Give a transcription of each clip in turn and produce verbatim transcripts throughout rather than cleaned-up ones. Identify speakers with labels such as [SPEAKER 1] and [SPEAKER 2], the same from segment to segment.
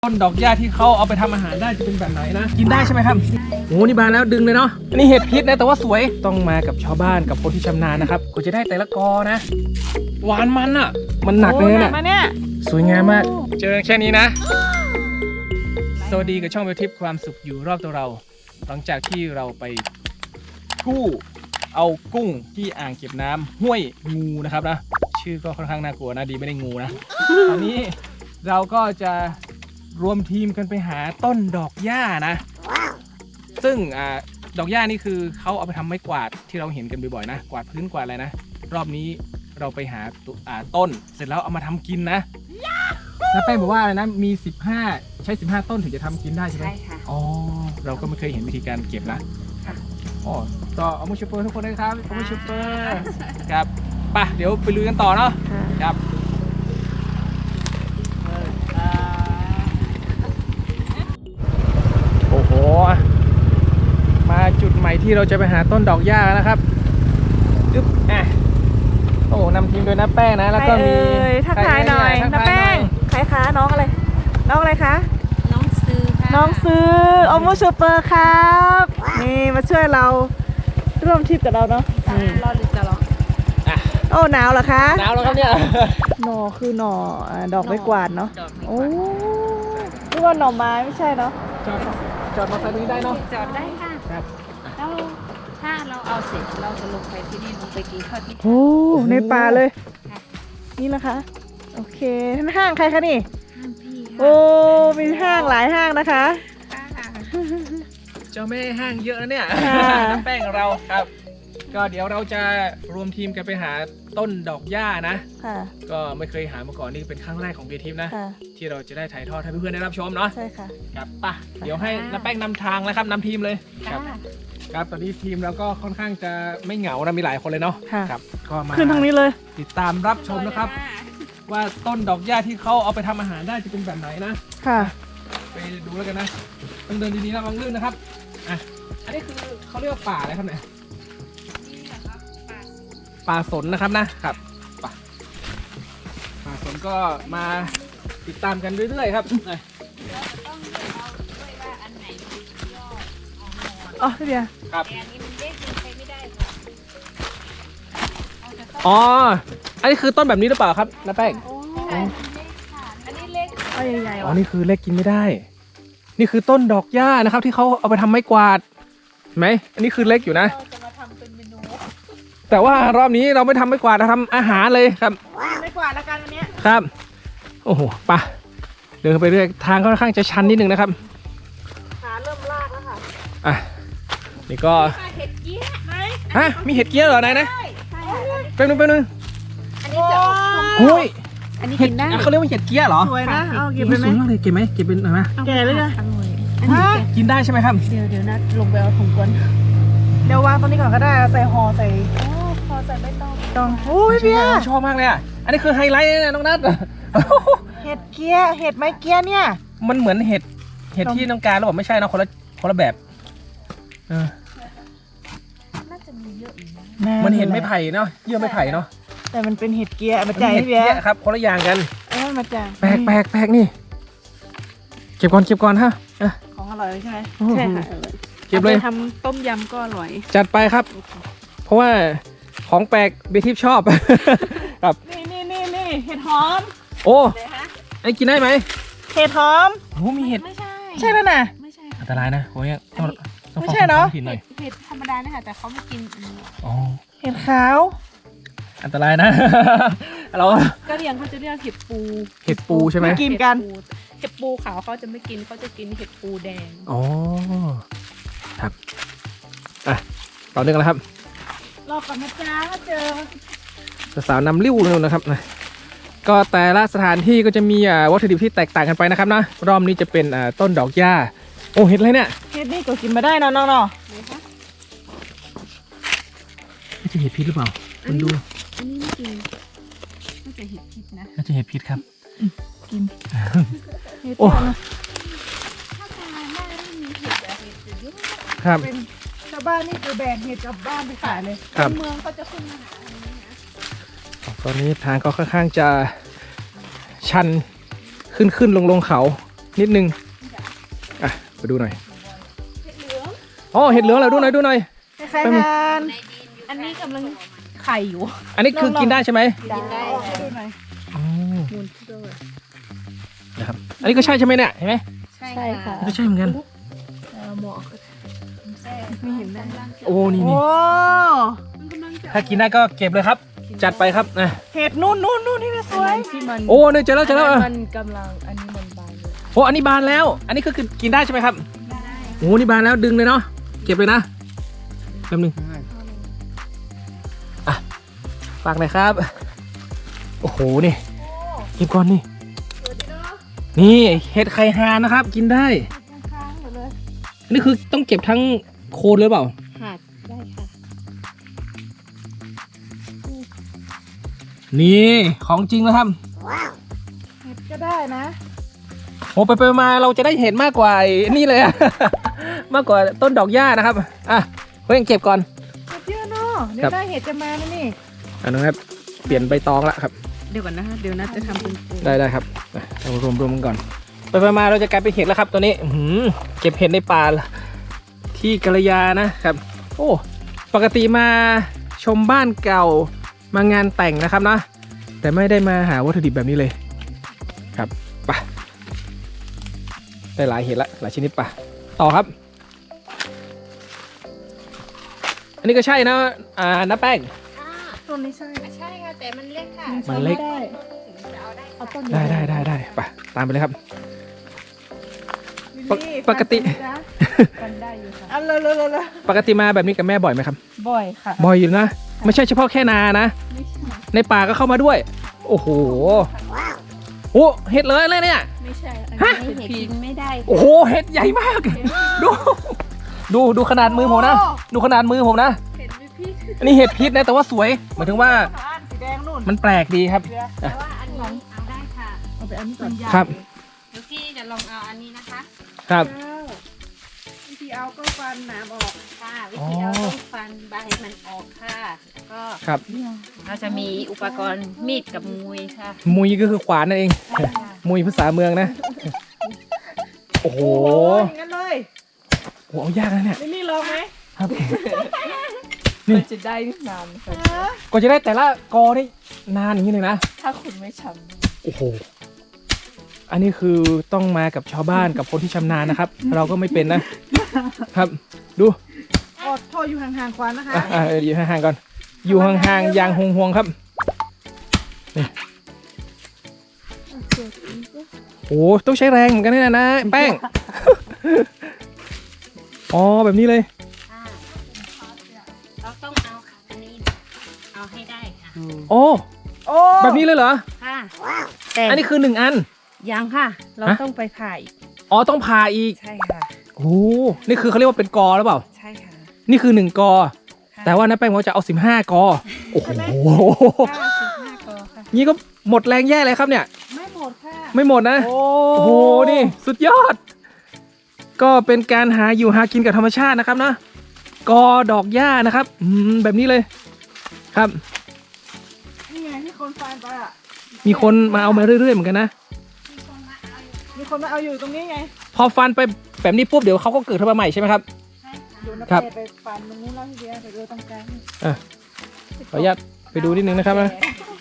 [SPEAKER 1] ต้นดอกหญ้าที่เขาเอาไปทำอาหารได้จะเป็นแบบไหนนะกินได้ใช่ไหมครับโอ้นี่บานแล้วดึงเลยเนาะอันนี้เห็ดพิษนะแต่ว่าสวยต้องมากับชาวบ้านกับคนที่ชำนาญนะครับก็จะได้แต่ละกอนะหวานมันอ่ะมันหนักเลยเนี่ยสวยงามมากเจอแค่นี้นะสวัสดีกับช่องเวทิปความสุขอยู่รอบตัวเราหลังจากที่เราไปกู้เอากุ้งที่อ่างเก็บน้ำห้วยงูนะครับนะชื่อก็ค่อนข้างน่ากลัวนะดีไม่ได้งูนะ ตอนนี้เราก็จะรวมทีมกันไปหาต้นดอกหญ้านะ ซึ่งอ่าดอกหญ้านี่คือเขาเอาไปทำไม้กวาดที่เราเห็นกันบ่อยๆนะกวาดพื้นกวาดอะไรนะรอบนี้เราไปหาอ่าต้นเสร็จแล้วเอามาทำกินนะน้าแป้งบอกว่าอะไรนะมีสิบห้าใช้สิบห้าต้นถึงจะทำกินได้ใช่ไหมใช่ค่ะอ๋อเราก็ไม่เคยเห็นวิธีการเก็บนะอ๋อต่อเอามูชูเปอร์ทุกคนเลยครับเอามูชูเปอร์ครับไปเดี๋ยวไปลุยกันต่อเนาะครับโอ้โหมาจุดใหม่ที่เราจะไปหาต้นดอกหญ้านะครับจึ๊บอ่ะโอ้นำทีมโดยน้าแป้งนะแล้วก็มี
[SPEAKER 2] ทักทายหน่อยน้าแป้งใครคะน้องอะไรน้องอะไรคะ
[SPEAKER 3] น้องซื้อค่ะ
[SPEAKER 2] น้องซื้อโอโมชูเปอร์ครับนี่มาช่วยเราร่วมทริปกับเราเนาะ
[SPEAKER 3] รอหรือจะรอ
[SPEAKER 2] โอ้หนาวเหรอคะ
[SPEAKER 1] หนาวแล้วครับเนี่ย
[SPEAKER 2] หน่อคือหน่อดอกไม้กวาดเนาะโอ้นี่ว่าหน่อไม้ไม่ใช่เนาะ
[SPEAKER 1] จอดจอดมาตรงนี้ได้เนาะ
[SPEAKER 3] จอดได้ค่ะ
[SPEAKER 1] ครับ
[SPEAKER 3] แล้วถ้าเราเอาเสร็จเราจะลงไปที่นี่ลงไปกินข้าวที่
[SPEAKER 2] โอ้ในป่าเลยนี่นะคะโอเคห้างใครคะนี่
[SPEAKER 3] ห้างพี่
[SPEAKER 2] โอ้มีห้างหลายห้างนะคะ
[SPEAKER 1] เจ้าแม่ห้างเยอะนะเนี่ยน้ำแป้งของเราครับก็เดี๋ยวเราจะรวมทีมกันไปหาต้นดอกหญ้านะก็ไม่เคยหามาก่อนนี่เป็นครั้งแรกของเบียร์ทิพย์นะที่เราจะได้ถ่ายทอดให้เพื่อนๆได้รับชมเนาะ
[SPEAKER 2] ใช่ค่ะ
[SPEAKER 1] ครับป่ะเดี๋ยวให้น้ำแป้งนำทางแล้วครับนำทีมเลยครับครับตอนนี้ทีมเราก็ค่อนข้างจะไม่เหงานะมีหลายคนเลยเนาะครับก็มา
[SPEAKER 2] ขึ้นทางนี้เลย
[SPEAKER 1] ติดตามรับชมนะครับว่าต้นดอกหญ้าที่เขาเอาไปทำอาหารได้จะเป็นแบบไหนนะ
[SPEAKER 2] ค่ะ
[SPEAKER 1] ไปดูแล้วกันนะต้องเดินดีๆนะระวังลื่นนะครับอ่ะอันนี้คือเขาเรียกว่าป่าอะไรครับเนี่ยป่าสนนะครับนะครับป่าป่าสนก็มาติดตามกันเรื่อยๆครับ
[SPEAKER 2] อ๋อพี่เบียร์
[SPEAKER 1] ครับ
[SPEAKER 3] อันนี้มันเล็กใช้ไม่ได้
[SPEAKER 1] อ๋ออันนี้คือต้นแบบนี้หรือเปล่าครับน้าแป้ง
[SPEAKER 3] อันนี้เล็ก
[SPEAKER 2] อ๋อใหญ่ๆ
[SPEAKER 1] อ๋อนี่คือเล็กกินไม่ได้นี่คือต้นดอกหญ้านะครับที่เขาเอาไปทำไม้กวาดไหมอันนี้คือเล็กอยู่นะ
[SPEAKER 3] จะมาทำเป็นเมนู
[SPEAKER 1] แต่ว่ารอบนี้เราไม่ทำไม้กวาดเราทำอาหารเลยครับ
[SPEAKER 2] ไม้กวาดแล้วกันวันนี้
[SPEAKER 1] ครับโอ้โหป่ะเดินไปเรื่อยทางค่อนข้างจะชันนิดนึงนะครับ
[SPEAKER 2] ขาเริ่มลากแล้วค่ะ
[SPEAKER 1] อ่ะนี่ก็
[SPEAKER 3] เห็ดเกี้ยไหม
[SPEAKER 1] ฮะมีเห็ดเกี้ยเหรอไหนนะเป็นนึงเป็นนึง
[SPEAKER 3] อันนี้จะ
[SPEAKER 1] โอ้ย
[SPEAKER 3] อันนี้กินได้
[SPEAKER 1] เขาเรียกว่าเห็ดเกี้ยเหรอ
[SPEAKER 2] สวยนะเอาเก็บไปไหม
[SPEAKER 1] สวยมากเลยเก็บไหมเก็บเป็นอะไรไหม
[SPEAKER 2] แก่เลยนะ
[SPEAKER 1] กินได้ใช่ไหมครับ
[SPEAKER 3] เดี๋ยวเดี๋ยวนัดลงไปเอาถุงก่อน
[SPEAKER 2] เดี๋ยววางตรงนี้ก่อนก็ได้ใส่ห่อใส่
[SPEAKER 3] พอใส่ไม่ต้อง
[SPEAKER 2] ต้องโอ้ยเบียร์
[SPEAKER 1] ชอบมากเลยอ่ะอันนี้คือไฮไลท์นะน้องนัท
[SPEAKER 2] เห็ดเกี้ยเห็ดไม้เกี้ยเนี่ย
[SPEAKER 1] มันเหมือนเห็ดเห็ดที่น้องการเราบอกไม่ใช่นะคนละคนละแบบเออ
[SPEAKER 3] น่าจะมีเยอะอยู่
[SPEAKER 1] นะมันเห็ดไม่ไผ่เนาะเยื่อไม่ไผ่เนาะ
[SPEAKER 2] แต่มันเป็นเห็ดเกี้ยมาจ่ายพี่เบียร์
[SPEAKER 1] ครับคนละอย่างกัน
[SPEAKER 2] เออมาจ่าย
[SPEAKER 1] แปลกแปลกแปลกนี่เก็บก่อนเก็บก่อนฮะ
[SPEAKER 2] ของอร่อยใช่ไหม
[SPEAKER 3] ใช่ค่ะ
[SPEAKER 1] เก็บเลย
[SPEAKER 3] ทำต้มยำก็อร่อย
[SPEAKER 1] จัดไปครับเพราะว่าของแปลกเบทิปชอบครับ
[SPEAKER 2] นี่นี่นี่นี่เห็ดหอม
[SPEAKER 1] โอ้ไอ้กินได้ไหม
[SPEAKER 2] เห็ดหอม
[SPEAKER 1] โอ้มีเห็ด
[SPEAKER 3] ไม่ใช่
[SPEAKER 2] ใช่แล้วนะ
[SPEAKER 3] ไม่ใช่
[SPEAKER 1] อันตรายนะโอ้ยต้อง
[SPEAKER 2] ไม่ใช่เนาะ
[SPEAKER 3] เห็ดธรรมดานะคะแต่เขาไม่กินอันนี้
[SPEAKER 1] อ๋อ
[SPEAKER 2] เห็ดขาว
[SPEAKER 1] อันตรายนะเรา
[SPEAKER 3] ก็เรียงเขาจะเรียกเห็ดปู
[SPEAKER 1] เห็ดปูใช่ไหม
[SPEAKER 2] กินกัน
[SPEAKER 3] เห็ดปูขาวเขาจะไม่กินเขาจะกินเห็ดปูแดง
[SPEAKER 1] อ๋อครับอ่ะต่อเนื่องแล้วครับ
[SPEAKER 2] รอก่อนนะจ๊ะก็เจอ
[SPEAKER 1] สาวนำริ้วเลยนะครับนะก็แต่ละสถานที่ก็จะมีวัตถุดิบที่แตกต่างกันไปนะครับนะรอบนี้จะเป็นต้นดอกหญ้าโอ้เห็ดอะไรเนี่ย
[SPEAKER 2] เห็ดนี่ก็กินมาได้เนาะน้องเนาะ
[SPEAKER 1] น่าจะเห็ดพิษหรือเปล่าคุณดู
[SPEAKER 3] อันนี้ไม่กินน่าจะเห็ดพิษนะ
[SPEAKER 1] น่าจะเห็ดพิษครับ
[SPEAKER 2] กิน
[SPEAKER 1] โอ้
[SPEAKER 3] ถ้าทางบ้านไม่มีเห็ดอะเห็ดจะเยอะ
[SPEAKER 1] ครับ
[SPEAKER 2] ชาวบ้านนี่คือแบกเห็ดกลับบ้านไปขายเลย
[SPEAKER 3] เมืองเขาจะขึ้นมาหาอันนี้นะ
[SPEAKER 1] ตอนนี้ทางก็ค่อนข้างจะชันขึ้นขึ้นลงลงเขานิดนึงอ่ะไปดูหน่อยอ๋อเห็ดเหลืองเหราดูหน่อยดูหน่อย
[SPEAKER 2] ใครทาน
[SPEAKER 3] อันนี้กำลังไข่อยู่
[SPEAKER 1] อันนี้คือกินได้ใช่ไหม
[SPEAKER 3] กินได้
[SPEAKER 2] เอาให้ดูหน่อย
[SPEAKER 1] อ๋อนะครับอันนี้ก็ใช่ใช่ไหมเนี่ยเห็นไหม
[SPEAKER 3] ใช่ค่ะ
[SPEAKER 1] ก็ใช่เหมือนกัน
[SPEAKER 3] หมอไม่เห็นได้
[SPEAKER 1] โอ้นี่
[SPEAKER 2] โอ้
[SPEAKER 1] นี่ถ้ากินได้ก็เก็บเลยครับ จัดไปครับนะ
[SPEAKER 2] เห็ดนู่นนู่นนู่นที่มันสวย
[SPEAKER 3] ที่มัน
[SPEAKER 1] โอ้เนี่ยเจอแล้วเจอแล้วอ่ะ
[SPEAKER 3] มันกำลังอันนี้มันบานเลย
[SPEAKER 1] โอ้อันนี้บานแล้ว อันนี้ก็คือกินได้ใช่ไหมครับโอ้นี่บานแล้วดึงเลยเนาะเก็บเลยนะแป๊บนึงอ่ะฝากหน่อยครับโอ้โหนี่เก็บก่อนนี่นี่เห็ดไข่ห่านนะครับ กินได้
[SPEAKER 2] ค้างหมดเลย
[SPEAKER 1] อันนี้คือต้องเก็บทั้งโคนเลยเปล่า
[SPEAKER 3] หักได้ค่ะ
[SPEAKER 1] นี่ของจริงนะครับ
[SPEAKER 2] เห็ดก็ได้นะ
[SPEAKER 1] โอ้ไปไปมาเราจะได้เห็นมากกว่าไอ้นี่เลยอะ มากกว่าต้นดอกหญ้านะครับอ่ะเพื่อนเก็บก่อน
[SPEAKER 2] เห็ดเยอะเนาะเดี๋ย
[SPEAKER 1] ครั
[SPEAKER 2] ว
[SPEAKER 1] บ
[SPEAKER 2] ได้เห็ดจะมาแล้วนี่
[SPEAKER 1] อันนั้นครับเปลี่ยนใบตองละครับ
[SPEAKER 3] เดี๋ยวก่อนนะคะเดี๋ยวนัดจะทำเป็นปู
[SPEAKER 1] ได้ได้ครับอ่ะเอารวมรวมกันก่อนไปไปมาเราจะกลายเป็นเห็ดแล้วครับตัวนี้อื้อหือเก็บเห็ดในป่าที่กัลยานะครับโอ้ปกติมาชมบ้านเก่ามางานแต่งนะครับนะแต่ไม่ได้มาหาวัตถุดิบแบบนี้เลยครับไปได้หลายเห็ดละหลายชนิดป่ะต่อครับ อันนี้ก็ใช่นะอ่าน้าแป้ง
[SPEAKER 2] ต้นนี้ใช่
[SPEAKER 3] ใช่ค่ะแต่มันเล็กค่ะ
[SPEAKER 1] มันเล็ก
[SPEAKER 2] ได้
[SPEAKER 3] ถึงจะเอาได้
[SPEAKER 2] เอาต้น
[SPEAKER 1] ได้ได้ได้ได้ไปตามไปเลยครับ
[SPEAKER 2] ลิลลี่
[SPEAKER 1] ปกติ
[SPEAKER 2] ฟันจ๊ะ
[SPEAKER 3] กันได้อยู่ค่ะ
[SPEAKER 2] เอาเลยเลยเลยเลย
[SPEAKER 1] ปกติมาแบบนี้กับแม่บ่อยไหมครับ
[SPEAKER 2] บ่อยค่ะ
[SPEAKER 1] บ่อยอยู่นะไม่ใช่เฉพาะแค่นานะ
[SPEAKER 3] ไม่ใช่
[SPEAKER 1] ในป่าก็เข้ามาด้วย โอ้โหโอ้เห็ดเลยอะไรเนี่ย
[SPEAKER 3] ไม่ใช่อัน
[SPEAKER 1] ฮะ
[SPEAKER 3] นี้เห็ดกินไม่ได้
[SPEAKER 1] โอ้โหเห็ดใหญ่มาก ดู ดูดูขนาดมือผมนะ ดูขนาดมือผมนะ
[SPEAKER 3] เห็ดไม่พี่
[SPEAKER 1] อันนี้เห็ดพิษนะแต่ว่าสวยหมายถึงว่า
[SPEAKER 2] อ่านสีแดงนู่น
[SPEAKER 1] มันแปลกดีครับ
[SPEAKER 2] เดี๋ยว
[SPEAKER 3] แต่ว่าอันนี้เอาได้ค่ะ
[SPEAKER 2] เอาไปอันนี้ก่อน
[SPEAKER 1] ครับ
[SPEAKER 3] เดี๋ยวพี่จะลองเอาอันนี้นะคะ
[SPEAKER 1] ครับ
[SPEAKER 2] เก้าวิธีเอาก็ฟันหนามออก
[SPEAKER 3] ค่ะวิธีเอาต้องฟันใบมันออกค่ะก็
[SPEAKER 1] ครับ
[SPEAKER 3] เราจะมีอุปกรณ์มีดกับมุยค่ะ
[SPEAKER 1] มุยก็คือขวานนั่นเอง
[SPEAKER 3] ใช่ค่ะ
[SPEAKER 1] มุยภาษาเมืองนะ โอ้โห
[SPEAKER 2] โอ้ยอย่างนั้นเลย
[SPEAKER 1] โอ้โหเอายากนะเนี่ย
[SPEAKER 2] ลิลลี่ลองไหม
[SPEAKER 1] ครับ
[SPEAKER 3] มันจะได้นานค่ะ
[SPEAKER 2] ฮะ
[SPEAKER 1] กว่าจะได้แต่ละกอนี่นานอย่างนี้เลยนะ
[SPEAKER 3] ถ้าคุณไม่ช
[SPEAKER 1] โอ้โห อันนี้คือต้องมากับชาวบ้านกับคนที่ชำนาญนะครับ เราก็ไม่เป็นนะ ครับ ดู
[SPEAKER 2] อดโทษอยู่ห่างๆควันนะคะ
[SPEAKER 1] อ่ะอ่ะอยู่ห่างๆก่อน อยู่ห่างๆอย่างห่วงๆครับ นี่โอ้ต้องใช้แรงเหมือนกันนะนะแป้ง อ๋อแบบนี้เลย
[SPEAKER 3] ำค่ะเราต้องเอาค่ะอันนี้ เอาให้ได้ค่ะ
[SPEAKER 1] โอ้
[SPEAKER 2] โอ้
[SPEAKER 1] แบบนี้เลยเหรอ
[SPEAKER 3] ค่ะแต่
[SPEAKER 1] อันนี้คือหนึ่งอัน
[SPEAKER 3] ยังค่ะ เรา
[SPEAKER 1] ฮะ
[SPEAKER 3] ต้องไปผ่าอีก
[SPEAKER 1] อ๋อต้องผ่าอีก
[SPEAKER 3] ใช่ค่ะ
[SPEAKER 1] โอ้นี่คือเขาเรียกว่าเป็นกอหรือเปล่า
[SPEAKER 3] ใช่ค่ะ
[SPEAKER 1] นี่คือหนึ่งกอ
[SPEAKER 3] ค่ะ
[SPEAKER 1] แต่ว่าน้าแป้งบอกว่าจะเอาสิบห้ากอ โอ้โห
[SPEAKER 3] ห้าสิบห้ากอค่ะ
[SPEAKER 1] นี่ก็หมดแรงแย่เลยครับเนี่ย
[SPEAKER 2] ไม่หมดค่ะ
[SPEAKER 1] ไม่หมดนะ
[SPEAKER 2] โอ้
[SPEAKER 1] โอ้โห นี่สุดยอด ก็เป็นการหาอยู่หากินกับธรรมชาตินะครับนะกอดอกหญ้านะครับอืมแบบนี้เลย ครับ
[SPEAKER 2] นี่ไงที่คนฟันไปอ่ะ
[SPEAKER 1] มีคนมาเอามาเรื่อยๆเหมือนกันนะ
[SPEAKER 2] มีคนมาเอาอยู่ตรงนี้ไง
[SPEAKER 1] พอฟันไปแบบนี้ปุ๊บเดี๋ยวเขาก็เกิดขึ้นมาใหม่ใช่ไหมครับ
[SPEAKER 2] ดูนะ
[SPEAKER 1] ครับ
[SPEAKER 2] เปไปฟันตรงนู้นแล้วทีเดียวไปดูตรงกลาง
[SPEAKER 1] อ่ะขออนุญาตไปดูนิดนึงนะครับนะ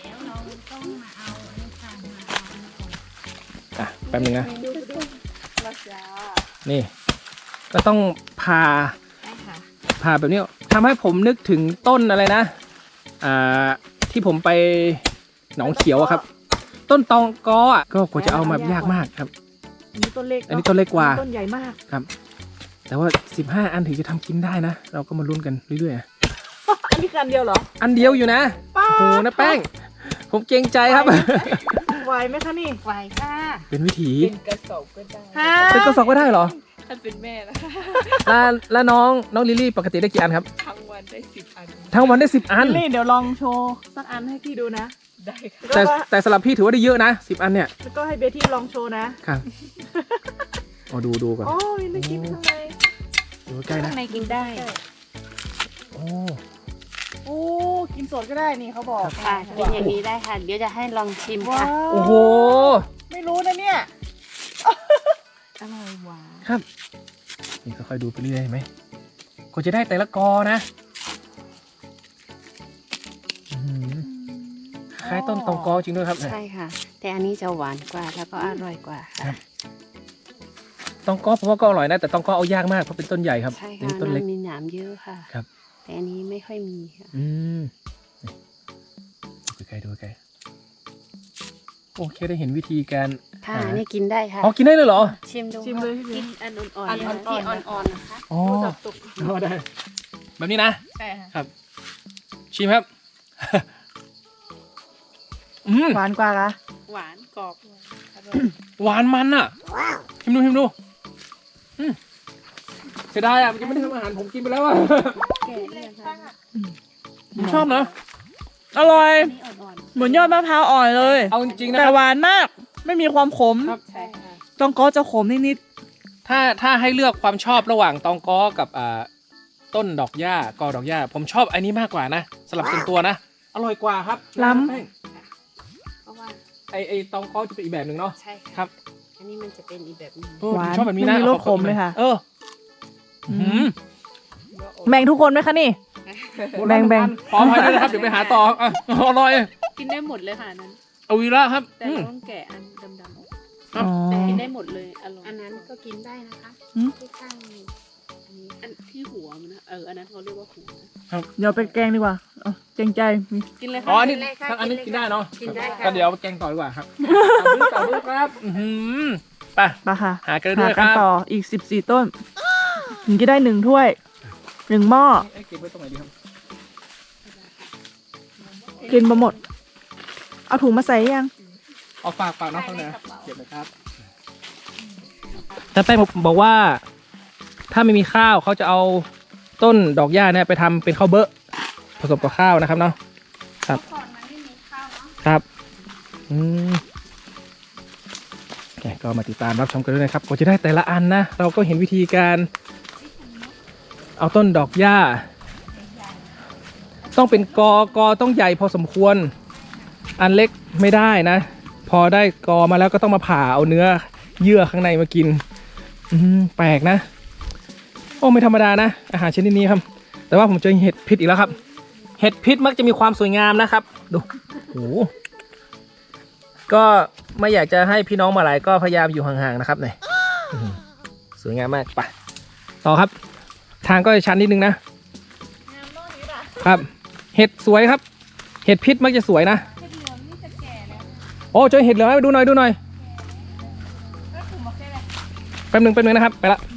[SPEAKER 1] อ่ะแป๊บนึงนะ
[SPEAKER 2] ดูดูรักษา
[SPEAKER 1] นี่ ก็ต้องผ่า
[SPEAKER 3] ได้ค่ะ
[SPEAKER 1] ผ่าแบบนี้ทำให้ผมนึกถึงต้นอะไรนะ อ่า ที่ผมไปหนองเขียวอะครับ ต้นตองกออ่ะก็กว่าจะเอามายากมากครับ
[SPEAKER 2] อันนี้ต้นเล็ก
[SPEAKER 1] อันนี้ต้นเล็กกว่า
[SPEAKER 2] ต้นใหญ่มาก
[SPEAKER 1] แต่ว่าสิบห้าอันถึงจะทำกินได้นะ เราก็มาลุ้นกันเรื่อยๆอะ
[SPEAKER 2] อันนี้กันเดียวเหรอ
[SPEAKER 1] อันเดียวอยู่นะ
[SPEAKER 2] ป้า
[SPEAKER 1] โอ้โหนะแป้ง ผมเกรงใจครับ
[SPEAKER 2] ไหวไหมคะนี่
[SPEAKER 3] ไหวค่ะ
[SPEAKER 1] เป็นวิถี
[SPEAKER 3] เป็นกระสอบก็ได้
[SPEAKER 2] ฮะ
[SPEAKER 1] เป็นกระสอบก็ได้เหรอ
[SPEAKER 3] ถ้าเป็นแม่แล้ว
[SPEAKER 1] แล้วแล้วน้องน้องลิลลี่ปกติได้กี่อันครับ
[SPEAKER 3] ทั้งวันได้สิบอัน
[SPEAKER 1] ทั้งวันได้สิบอัน
[SPEAKER 2] ลิลลี่เดี๋ยวลองโชว์สักอันให้พี่ดูนะ
[SPEAKER 3] ได้ค่ะ
[SPEAKER 1] แต่
[SPEAKER 2] แล้วก็
[SPEAKER 1] แต่สำหรับพี่ถือว่าได้เยอะนะสิบอันเนี่ย
[SPEAKER 2] แล้วก็ให้เบที่ลองโชว์นะครับ
[SPEAKER 1] เอาดูดูก่อน
[SPEAKER 2] โอ้ยน่ากินทำไม
[SPEAKER 1] ดูใกล้ๆนะ
[SPEAKER 3] ข้างในกินได้
[SPEAKER 1] โอ้
[SPEAKER 2] โอ้กินสดก็ได้นี่เขาบอก
[SPEAKER 3] ค่ะกินอย่างนี้ได้ค่ะ เดี๋ยวจะให้ลองชิม
[SPEAKER 2] ว้า
[SPEAKER 3] ค่ะ
[SPEAKER 2] ว
[SPEAKER 1] โอ้โห
[SPEAKER 2] ไม่รู้นะเนี่ย
[SPEAKER 3] อร่อยหวาน
[SPEAKER 1] ครับนี่ค่อยๆดูไปเรื่อยๆเห็นไหมก็จะได้แต่ละกอนะอื้อหือคล้ายต้นตองกอจริงด้วยครับ
[SPEAKER 3] ใช่ค่ะ แต่อันนี้จะหวานกว่าแล้วก็อร่อยกว่า
[SPEAKER 1] ครั
[SPEAKER 3] ค่ะ
[SPEAKER 1] บ ตองกอผมว่าก็อร่อยนะแต่ตองกอเอายากมากเพราะเป็นต้นใหญ่ครับ
[SPEAKER 3] ใช่
[SPEAKER 1] อัน
[SPEAKER 3] ค่ะ
[SPEAKER 1] นี้ต้นเล็ก
[SPEAKER 3] มันมีหนามเยอะค่ะ
[SPEAKER 1] ครับ
[SPEAKER 3] แต่อันนี้ไม่ค่อยมีค่ะ
[SPEAKER 1] อืมดูใกล้ๆดูใกล้ๆโอเคได้เห็นวิธีการ
[SPEAKER 3] ค่ะ
[SPEAKER 1] หา
[SPEAKER 3] นี่กินได้ค่ะ
[SPEAKER 1] อ๋อกินได้เลยเหรอ
[SPEAKER 3] ชิมดู
[SPEAKER 2] ชิมเลย
[SPEAKER 3] กินอันอ่อน
[SPEAKER 2] อัน
[SPEAKER 3] ๆ
[SPEAKER 2] อ่อนๆ
[SPEAKER 3] ที่อ่อนๆนะคะ
[SPEAKER 1] อ๋อ
[SPEAKER 2] จับตุก
[SPEAKER 1] อ๋อได้แบบนี้นะ
[SPEAKER 2] ใช่ค่ะ
[SPEAKER 1] ครับ ชิมครับ อืม
[SPEAKER 2] หวานกว่าคะ
[SPEAKER 3] หวานกรอบอร่อย
[SPEAKER 1] หวานมันอ่ะชิมดูชิมดูอืมเสียดายอ่ะมันยังไม่ได้ทำอาหารผมกินไปแล้วอ่ะ
[SPEAKER 3] แก่เนี่ยค่ะ
[SPEAKER 1] ผมชอบนะอร่อย
[SPEAKER 3] อันนี้อ่อน
[SPEAKER 2] เหมือนยอดมะพร้าวอ่อนเลย
[SPEAKER 1] เอาจริงๆนะ
[SPEAKER 2] แต่
[SPEAKER 1] ครับ
[SPEAKER 2] หวานมาก ไม่มีความขม
[SPEAKER 1] ครับ
[SPEAKER 3] ๆใช่ค่ะ
[SPEAKER 2] ตองก็จะขมนิด
[SPEAKER 1] ถ้าถ้าให้เลือกความชอบระหว่างตองก้อกับอ่าต้นดอกหญ้ากอดอกหญ้า ผมชอบอันนี้มากกว่านะสำหรับส่วนตัวนะ อร่อยกว่าครับ
[SPEAKER 2] ล้ำ
[SPEAKER 1] แป้ง
[SPEAKER 3] เพราะว่า
[SPEAKER 1] ไอไอตองก้อจะเป็นอีกแบบหนึ่งเนาะ
[SPEAKER 3] ใช่ค่ะ
[SPEAKER 1] ครับ
[SPEAKER 3] อันนี้มันจะเป็นอีกแบบหนึง
[SPEAKER 1] เออ
[SPEAKER 2] หวาน
[SPEAKER 1] ผมชอบแบบนี้นะ
[SPEAKER 2] ไม่มีรส
[SPEAKER 1] อา
[SPEAKER 2] ขมเลยค่ะ
[SPEAKER 1] เออ
[SPEAKER 2] อืม
[SPEAKER 1] หืม
[SPEAKER 2] ๆ แบ่งทุกคนไหมคะนี่ แบ่งแบ่ง
[SPEAKER 1] ขออภัยด้วยนะครับเดี๋ยวไปหาต่ออ่ะอร่อย
[SPEAKER 3] กินได้หมดเลยค่ะอันนั้น
[SPEAKER 1] เอาวีระครับ
[SPEAKER 3] แต่
[SPEAKER 1] อืม
[SPEAKER 3] เราต้องแกะอันดำๆออก
[SPEAKER 1] ครับ
[SPEAKER 2] อ๋อ
[SPEAKER 3] แต่กินได้หมดเลยอร่อยอันนั้นก็กินได้นะคะ
[SPEAKER 2] หืม
[SPEAKER 3] ที่ข้างนี้อันนี้อันที่หัวมันนะเอออันนั้นเขาเรียกว่าหัวนะ
[SPEAKER 2] เดี๋ยวไปแกงดีกว่าเอาเกรงใจมี
[SPEAKER 3] กินเลย
[SPEAKER 1] อ๋อ
[SPEAKER 3] ค่ะ
[SPEAKER 1] อันนี้
[SPEAKER 3] กิเลยค่ะ
[SPEAKER 1] อันนี้กินได้เนาะ
[SPEAKER 3] กินได้ค่ะ
[SPEAKER 1] ก็เดี๋ยวแกงต่อดีกว่าครับต่อมือต่อมือครับอื้อหือไป
[SPEAKER 2] ไปค่ะ
[SPEAKER 1] หากันด้วย
[SPEAKER 2] หา
[SPEAKER 1] ค
[SPEAKER 2] กั
[SPEAKER 1] รั
[SPEAKER 2] น
[SPEAKER 1] บ
[SPEAKER 2] ต่ออีกสิบสี่ต้นถึงจะได้หนึ่งถ้วยหนึ่งหม้อ
[SPEAKER 1] เอ้ยเก็บไว้ตรงไหนดีครับ
[SPEAKER 2] กินมาหมด เอาถุงมาใส่ยัง
[SPEAKER 1] เอาฝากฝากน้องเขาหน่อยนะเก็บเลยครับแต่แป้งบอกว่า ถ้าไม่มีข้าวเขาจะเอาต้นดอกหญ้าเนี่ยไปทำเป็นข้าวเบอะผสมกับข้าวนะครับเนาะครับ
[SPEAKER 3] ก่อนมันไม่มีข้าวเนาะ
[SPEAKER 1] ครับอืมโอเคก็มาติดตามรับชมกันด้วยนะครับกว่าจะได้แต่ละอันนะ เราก็เห็นวิธีการ เอาต้นดอกหญ้า ต้องเป็นกอกอต้องใหญ่พอสมควร อันเล็กไม่ได้นะ พอได้กอมาแล้วก็ต้องมาผ่าเอาเนื้อเยื่อข้างในมากิน อืมแปลกนะ โอ้ไม่ธรรมดานะ อาหารชนิดนี้ครับ แต่ว่าผมเจอเห็ดพิษอีกแล้วครับ เห็ดพิษมักจะมีความสวยงามนะครับ ดูโอ้โหก็ไม่อยากจะให้พี่น้องมาหลายก็พยายามอยู่ห่างๆนะครับเนี่ยอื้อหือสวยงามมากไปต่อครับ ทางก็จะชันนิดนึงนะ ครับ เห็ดสวยครับ เห็ดพิษมักจะสวยนะ
[SPEAKER 3] เห็ดเหลืองนี่จะแก่แล้ว
[SPEAKER 1] โอ้เจอเห็ดเหลืองไหมดูหน่อยดูหน่อย
[SPEAKER 3] ก็คือมาแค่ไหน
[SPEAKER 1] แป๊บหนึงแป๊บหนึงนะครับไปละ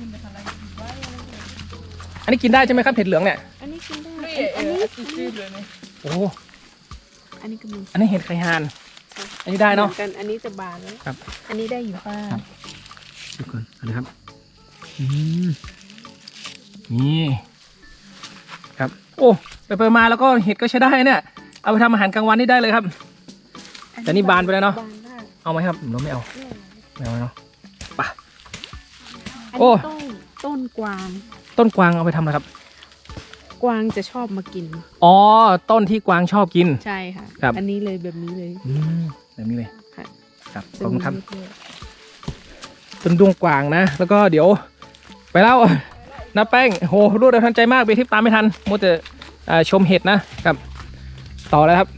[SPEAKER 1] อันนี้กินได้ใช่ไหมครับเห็ดเหลืองเนี่ย
[SPEAKER 3] อันนี้กินได้อันนี้
[SPEAKER 1] โอ้
[SPEAKER 3] อันนี้ก็มี
[SPEAKER 1] อันนี้เห็ดไข่ห่าน อันนี้ได้เนาะ
[SPEAKER 3] หมือกันอันนี้จะบานแล้ว
[SPEAKER 1] ครับ
[SPEAKER 3] อันนี้ได้อยู่ค่ะ
[SPEAKER 1] ดูก่อนอันนี้ครับอืมนี่ครับโอ้ไปไปมาแล้วก็เห็ดก็ใช้ได้เนี่ยเอาไปทำอาหารกลางวันนี่ได้เลยครับ แต่นี่บานไปแล้วเนาะ
[SPEAKER 3] บานได้
[SPEAKER 1] เอาไหมครับเราไม่เอาไม่เอาเนาะไป
[SPEAKER 3] อัน
[SPEAKER 1] โอ้
[SPEAKER 3] นี้ต้นต้นกวาง
[SPEAKER 1] ต้นกวางเอาไปทำอะไรครับ
[SPEAKER 3] กวางจะชอบมากิน
[SPEAKER 1] อ๋อต้นที่กวางชอบกิน
[SPEAKER 3] ใช่ค่ะ
[SPEAKER 1] ครับ
[SPEAKER 3] อันนี้เลยแบบนี้เลย
[SPEAKER 1] อืมแบบนี้เลย
[SPEAKER 3] ค่ะ
[SPEAKER 1] ครับขอบคุณครับ
[SPEAKER 3] ตงนี้เลย
[SPEAKER 1] ต้นดวงกวางนะ แล้วก็เดี๋ยว ไปแล้วนะแป้งโหรวดเร็วทันใจมากไปทิปตามไม่ทันมัวแต่อ่าชมเห็ดนะครับ ต่อแล้วครับ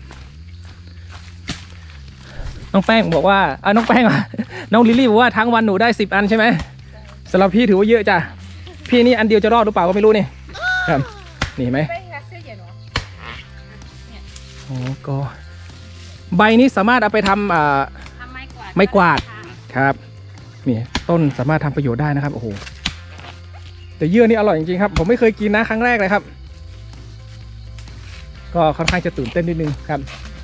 [SPEAKER 1] น้องแป้งบอกว่าอ่าน้องแป้งอ่ะ น้องลิลลี่บอกว่าทั้งวันหนูได้สิบอันใช่ไหมสำหรับพี่ถือว่าเยอะจ้ะพี่นี่อันเดียวจะรอดหรือเปล่าก็ไม่รู้นี่ครับนี่เห็นไหมโอ้ก็ใบนี้สามารถเอาไปทำอ่า
[SPEAKER 3] ทำไม้กวาด
[SPEAKER 1] ไม้กวาด
[SPEAKER 3] ค่ะ
[SPEAKER 1] ครับนี่ต้นสามารถทำประโยชน์ได้นะครับโอ้โหแต่เยื่อนี่อร่อยจริงๆครับผมไม่เคยกินนะครั้งแรกเลยครับ ก็ค่อนข้างจะตื่นเต้นนิดนึงครับ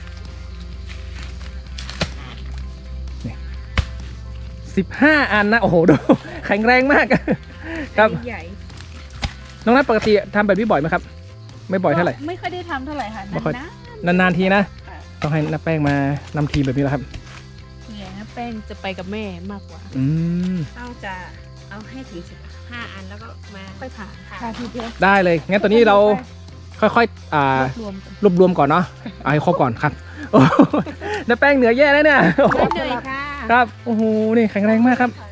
[SPEAKER 1] นี่สิบห้าอันนะโอ้โหดู แข็งแรงมากครับ
[SPEAKER 3] อันนี้ใหญ่
[SPEAKER 1] น้องนัทปกติทำแบบนี้บ่อยไหมครับ ไม่บ่อยเท่าไหร่
[SPEAKER 3] ไม่ค่อยได้ทำเท่าไหร่ค่ะ
[SPEAKER 1] ไม่ค่อย
[SPEAKER 3] นาน
[SPEAKER 1] นานๆทีนะ
[SPEAKER 3] ๆค่ะ
[SPEAKER 1] ต้องให้น้าแป้งมานำทีมแบบนี้แหละครับ
[SPEAKER 3] ส่วนใหญ่นะแป้งจะไปกับแม่มากกว่า
[SPEAKER 1] อืม
[SPEAKER 3] เราจะเอาให้ถึงสิบห้าอันแล้วก็มาค่อยผ่าผ่าทีเดียว
[SPEAKER 1] ได้เลยงั้นตัวนี้เราค่อยๆอ่าร
[SPEAKER 3] วมกัน
[SPEAKER 1] รวบรวมก่อนเนาะเอาให้ครบก่อนครับโอ้โหน้าแป้งเหนือแย่แล้วเนี่ยโอ้โห
[SPEAKER 3] ได้เลยค่ะ
[SPEAKER 1] ครับโอ้โหนี่แข็งแรงมากครับ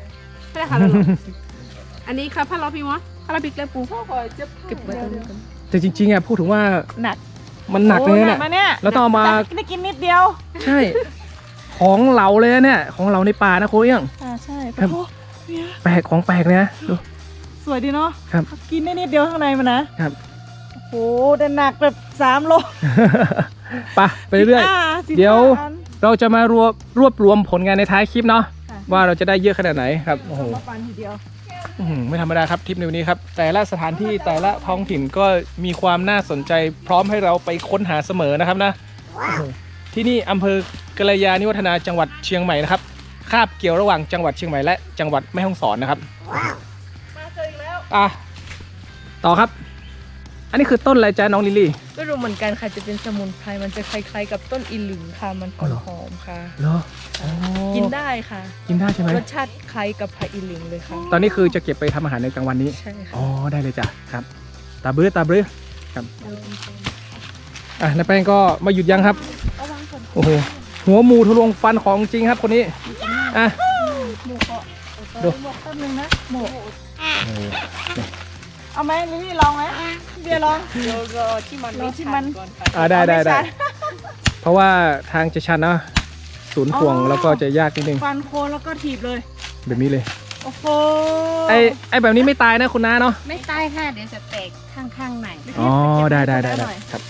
[SPEAKER 3] ไม่ได้ค่ะแล้วหรออันนี้ครับผ้าล้อพี่มอสผ้าล้อพริกแล้วปู
[SPEAKER 2] พ่อขอจะ
[SPEAKER 3] เก็บไว้ตรงนี้ก่อน
[SPEAKER 1] แต่จริงๆอ่ะพูดถึงว่า
[SPEAKER 2] หนัก
[SPEAKER 1] มันหนักเลย
[SPEAKER 2] โอ้
[SPEAKER 1] เนี่ย
[SPEAKER 2] มาเนี่ย
[SPEAKER 1] เราต้องเอามา
[SPEAKER 2] ได้กินนิดเดียว
[SPEAKER 1] ใช่ ของเราเลยนะเนี่ยของเราในป่านะโค้ชยัง
[SPEAKER 2] อ่าใช่
[SPEAKER 1] ครับ
[SPEAKER 2] โอ้เนี่ย
[SPEAKER 1] แปลกของแปลกเลยนะดู
[SPEAKER 2] สวยดีเนาะ
[SPEAKER 1] ครับ
[SPEAKER 2] กินได้นิดเดียวข้างในมันนะครับ โอ้โหแต่หนักแบบสามโล
[SPEAKER 1] ไปไปเรื่อย
[SPEAKER 2] สิบห้าสิบห้า
[SPEAKER 1] เดี๋ยว
[SPEAKER 2] อัน
[SPEAKER 1] ๆเราจะมารวบรวบรวมผลงานในท้ายคลิปเนาะ
[SPEAKER 2] ค่ะ
[SPEAKER 1] ว่าเราจะได้เยอะขนาดไหนครับโอ้โห
[SPEAKER 2] มาปันทีเดียว
[SPEAKER 1] อื้อหือไม่ธรรมดาครับทริปในวันนี้ครับแต่ละสถานที่แต่ละท้องถิ่นก็มีความน่าสนใจพร้อมให้เราไปค้นหาเสมอนะครับนะโอ้โหที่นี่อำเภอกัลยาณิวัฒนาจังหวัดเชียงใหม่นะครับคาบเกี่ยวระหว่างจังหวัดเชียงใหม่และจังหวัดแม่ฮ่องสอนนะครับ
[SPEAKER 2] มาเจออีกแล้ว
[SPEAKER 1] อ่ะต่อครับ อันนี้คือต้นอะไรจ๊ะน้องลิลลี่
[SPEAKER 4] ไม่รู้เหมือนกันค่ะจะเป็นสมุนไพรมันจะคล้ายๆกับต้นอีหลึงค่ะมันห
[SPEAKER 1] อ๋อเหรอ
[SPEAKER 4] อมๆค่ะ
[SPEAKER 1] เหรออ๋อ
[SPEAKER 4] กินได้ค่ะ
[SPEAKER 1] กินได้ใช่ไหม
[SPEAKER 4] รสชาติคล้ายกับผักอีหลึงเลยค่ะ
[SPEAKER 1] ตอนนี้คือจะเก็บไปทำอาหารในกลางวันนี้
[SPEAKER 4] ใช่ค่ะ
[SPEAKER 1] อ๋อได้เลยจ้ะครับตาบรื้อตาบรื้อครับอ่ะนายแป้งก็มาหยุดยังครับโอ้โหหัวหมูทะลวงฟันของจริงครับคนนี้อ่ะ
[SPEAKER 2] หมูเกาะ
[SPEAKER 1] ดู
[SPEAKER 2] หมวกแป๊บนึงนะหมู
[SPEAKER 1] โอ้โห
[SPEAKER 2] เอาไหมลิลลี่ลองไหมเบียร์ลอง
[SPEAKER 4] เดี๋ยวรอที่มัน
[SPEAKER 2] รอที่มัน
[SPEAKER 4] ก่อนค่ะ
[SPEAKER 1] อ่ะได้ได้ได้
[SPEAKER 2] เอาม่ชั
[SPEAKER 1] เพราะว่าทางจะชันเนอะศูนย์ห่วง
[SPEAKER 2] อ๋อ
[SPEAKER 1] แล้วก็จะยากนิดนึง
[SPEAKER 2] ฟันโคนแล้วก็ถีบเลย
[SPEAKER 1] แบบนี้เลย
[SPEAKER 2] โอ้โห
[SPEAKER 1] ไอไอแบบนี้ไม่ตายนะคุณน้าเนาะ
[SPEAKER 3] ไม่ตายค่ะเดี๋ยวจะแตกข้างๆไหน
[SPEAKER 1] อ๋อได้ได้ได้ได้ครับ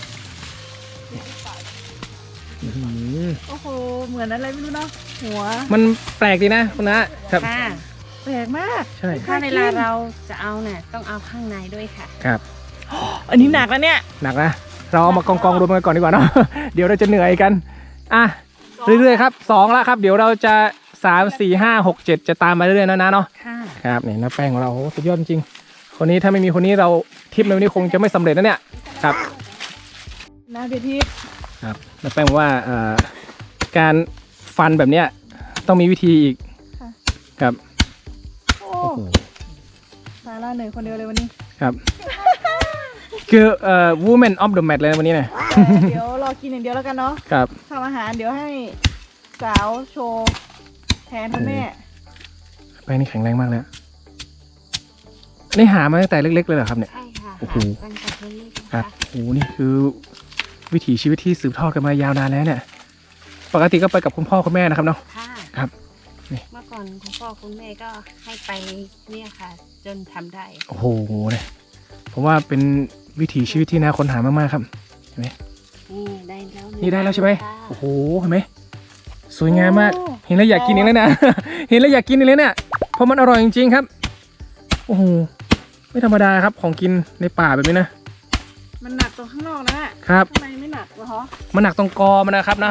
[SPEAKER 1] อื้อหือ
[SPEAKER 2] โอ้โหเหมือนอะไรไม่รู้เนาะหัว
[SPEAKER 1] มันแปลกดีนะคุณน้าครับ
[SPEAKER 3] ค่ะ
[SPEAKER 2] แปลกมาก
[SPEAKER 1] ใช่
[SPEAKER 3] ถ้าเวลาเราจะเอาเนี่ยต้องเอาข้างในด้วยค่ะ
[SPEAKER 1] ครับ
[SPEAKER 2] อันนี้หนักแล้วเนี่ย
[SPEAKER 1] หนักนะ เราเอามากองกองรวมกันก่อนดีกว่าเนาะ เดี๋ยวเราจะเหนื่อยกัน อ่ะ เรื่อยๆครับสองแล้วครับ เดี๋ยวเราจะสามสี่ห้าหกเจ็ดจะตามมาเรื่อยๆนะนะเนาะ
[SPEAKER 3] ค่ะ
[SPEAKER 1] ครับนี่น้าแป้งของเราโอ้โหสุดยอดจริงๆคนนี้ถ้าไม่มีคนนี้เราทริปในวันนี้คงจะไม่สำเร็จนะเนี่ย ครับ
[SPEAKER 2] นะเบียร์ทิพย์
[SPEAKER 1] ครับน้าแป้งบอกว่าเอ่อการฟันแบบเนี้ยต้องมีวิธีอีก ครับ
[SPEAKER 2] โอ้
[SPEAKER 1] โอ้โห
[SPEAKER 2] สาระเหนื่อยคนเดียวเลยวันนี้
[SPEAKER 1] ครับ คือเอ่อ woman of the match เลยนะวันนี้เนี่ย
[SPEAKER 2] เดี๋ยวรอกินอย่างเดียวแล้วกันเนาะ
[SPEAKER 1] ครับ
[SPEAKER 2] ทำอาหารเดี๋ยวให้สาวโชว์แทนคุณแม่
[SPEAKER 1] แป้งนี่แข็งแรงมากเลยอะนี่หามาตั้งแต่เล็กๆเลยเหรอครับเนี่ย
[SPEAKER 3] ใช่ค่ะ
[SPEAKER 1] โอ้โห
[SPEAKER 3] ตั้งแต่เล็กๆ
[SPEAKER 1] ครั
[SPEAKER 3] นะ
[SPEAKER 1] บ
[SPEAKER 3] คะ
[SPEAKER 1] โอ้โหนี่คือวิถีชีวิตที่สืบทอดกันมายาวนานแล้วเนี่ย ปกติก็ไปกับคุณพ่อคุณแม่นะครับเนาะ
[SPEAKER 3] ค่ะ
[SPEAKER 1] ครับนี่
[SPEAKER 3] เมื่อก่อนคุณพ่อคุณแม่ก็ให้ไปเนี่ยค่ะ จนทำได้
[SPEAKER 1] โอ้โหเนี่ยผมว่าเป็นวิถีชีวิตที่น่าค้นหามากๆครับ เห็นไหม
[SPEAKER 3] นี่ได้แล้ว
[SPEAKER 1] นี่ได้แล้วใช่ไหม
[SPEAKER 3] ค่ะ
[SPEAKER 1] โอ้โห เห็นไหม สวยงามมาก เห็นแล้วอยากกินอีกแล้วนะ เห็นแล้วอยากกินอีกแล้วเนี่ย เพราะมันอร่อยจริงๆครับ โอ้โห ไม่ธรรมดาครับของกินในป่าแบบนี้นะ
[SPEAKER 2] มันหนักตรงข้างนอกนะครับ ข้างในไม่หนักเหรอฮะ
[SPEAKER 1] มันหนักตรงกอมันนะครับนะ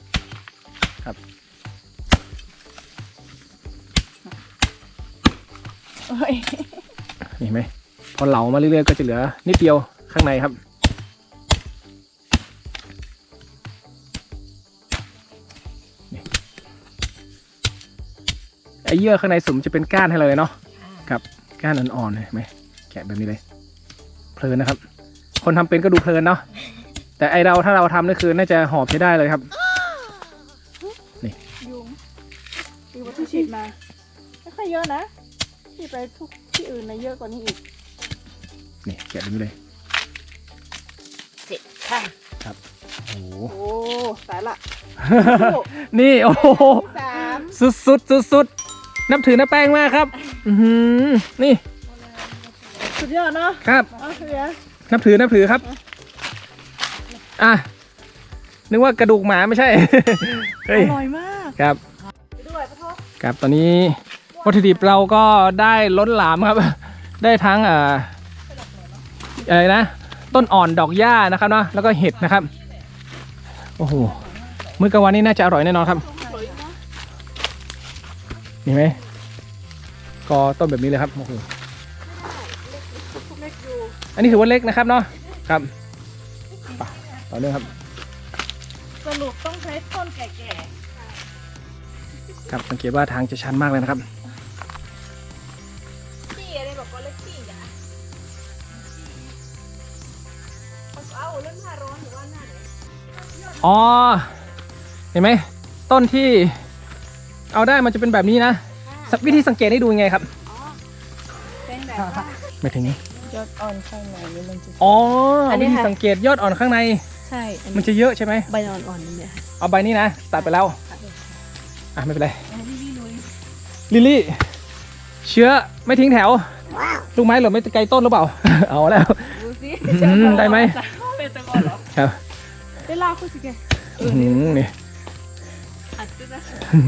[SPEAKER 2] เอ้ย
[SPEAKER 1] เห็นไหมพอเหลามาเรื่อยๆก็จะเหลือนิดเดียวข้างในครับนี่ไอ้เยื่อข้างในสุ่มจะเป็นก้านให้เราเลยเนาะ
[SPEAKER 3] ค่ะ
[SPEAKER 1] ครับก้านอ่อนๆเห็นไหมแกะแบบนี้เลยเพลินนะครับ คนทำเป็นก็ดูเพลินเนาะแต่ไอเราถ้าเราทำนี่คือน่าจะหอบใช้ได้เลยครับ
[SPEAKER 2] ยุงดีกว่าที่ฉีดมา ไม่ค่อยเยอะนะฉีดไปทุกที่อื่นนะเยอะกว่านี้อีก
[SPEAKER 1] นี่แกะแบบนี้เลย
[SPEAKER 3] เสร็จค่ะ
[SPEAKER 1] โอ้โห
[SPEAKER 2] โอ้สายละ
[SPEAKER 1] นี่โอ้โห
[SPEAKER 2] สาม
[SPEAKER 1] สุดสุดสุดสุดๆนับถือน้าแป้งมากครับ อือหือนี่
[SPEAKER 2] สุดยอดเนาะ
[SPEAKER 1] ครับ
[SPEAKER 2] เอาเสีย
[SPEAKER 1] นับถือนับถือครับ อ่ะ นึกว่ากระดูกหมาไม่ใช่ เฮ้ย
[SPEAKER 2] อร่อยมาก
[SPEAKER 1] ครับ
[SPEAKER 2] ไปด้วยปะทศ
[SPEAKER 1] ครับตอนนี้วัตถุดิบเราก็ได้ล้นหลามครับ ได้ทั้งเอ่ออะไรนะ ต้นอ่อนดอกหญ้านะครับเนาะแล้วก็เห็ดนะครับ โอ้โห มื้อกลางวันนี้น่าจะอร่อยแน่นอนครับเห็นไหมก็ต้นแบบนี้เลยครับ โอ้โห
[SPEAKER 2] เล็กอยู่
[SPEAKER 1] อันนี้ถือว่าเล็กนะครับเนาะ ครับไปต่อเนื่องครับ
[SPEAKER 2] สรุปต้องใช้ต้นแก่
[SPEAKER 1] ครับ สังเกตว่าทางจะชันมากเลยนะครับ
[SPEAKER 2] ๆขี้อะไรบอกว่าเล็กขี้อ่ะเอาเรื่องหน้าร้อนหรือว่าหน้าไหน
[SPEAKER 1] อ๋อ เห็นไหมต้นที่เอาได้มันจะเป็นแบบนี้นะวิธีสังเกตให้ดูยังไงครับ
[SPEAKER 3] เป็นแบบว่า
[SPEAKER 1] ไม่ถึงนี้
[SPEAKER 4] ยอดอ่อนข้างในนี่มันจะ
[SPEAKER 1] อ๋อ
[SPEAKER 4] อันนี้
[SPEAKER 1] วิธี
[SPEAKER 4] ค่ะ
[SPEAKER 1] สังเกตยอดอ่อนข้างใน
[SPEAKER 4] ใช่อัน
[SPEAKER 1] มัน
[SPEAKER 4] นี้
[SPEAKER 1] จะเยอะใช่ไหม
[SPEAKER 4] ใบอ่อนๆนี่เนี่ย
[SPEAKER 1] เอาใบนี้นะตัดไปแล้วอ่ะไม่เป็นไร
[SPEAKER 3] เอาพี่พี่ลุย
[SPEAKER 1] ลิลลี่เชื้อไม่ทิ้งแถวลูกไม้หล่นไม่ไกลต้นหรือเปล่า เอาแล้ว
[SPEAKER 3] ดูสิ
[SPEAKER 1] อืมได้ไหม
[SPEAKER 3] เป็นตะกอนเหรอ
[SPEAKER 1] ครับ
[SPEAKER 2] เวลาคุณสิแก
[SPEAKER 1] อื้อหือนี่
[SPEAKER 3] อัดด้วยนะ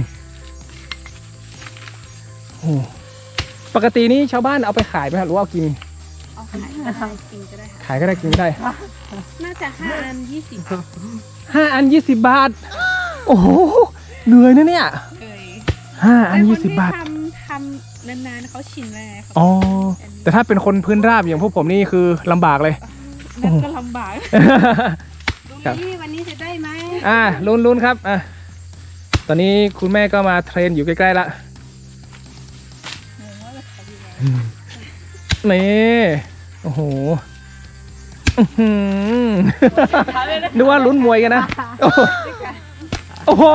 [SPEAKER 1] โอ้ปกตินี่ชาวบ้านเอาไปขายไหมครับหรือว่าเอากิน
[SPEAKER 3] เอาขายก็ได้กินก็ได้ค่ะ
[SPEAKER 1] ขายก็ได้กินก็ได้
[SPEAKER 3] น่าจะห้าอันยี่สิบ
[SPEAKER 1] ห้าอันยี่สิบบาท โอ้โหเหนื่อยนะเนี่ย
[SPEAKER 3] เอ่ย
[SPEAKER 1] ห้าอัน
[SPEAKER 3] แต่
[SPEAKER 1] ยี่
[SPEAKER 3] ค
[SPEAKER 1] สิบบาท
[SPEAKER 3] ที่ทำทำนานๆเขาชินแล้วไงเขา
[SPEAKER 1] อ๋อแต่ถ้าเป็นคนพื้นราบอย่างพวกผมนี่คือลำบากเลย
[SPEAKER 3] นั่นก็ลำบาก
[SPEAKER 1] ครับ
[SPEAKER 3] ดูนี่วันนี้จะได้ไหม
[SPEAKER 1] อ่าลุ้นลุ้นครับอ่ะตอนนี้คุณแม่ก็มาเทรนอยู่ใกล้ๆละนี่โอ้โหอื้อหือนึกว่าลุ้นมวยกันนะ โอ้โหโอ้โห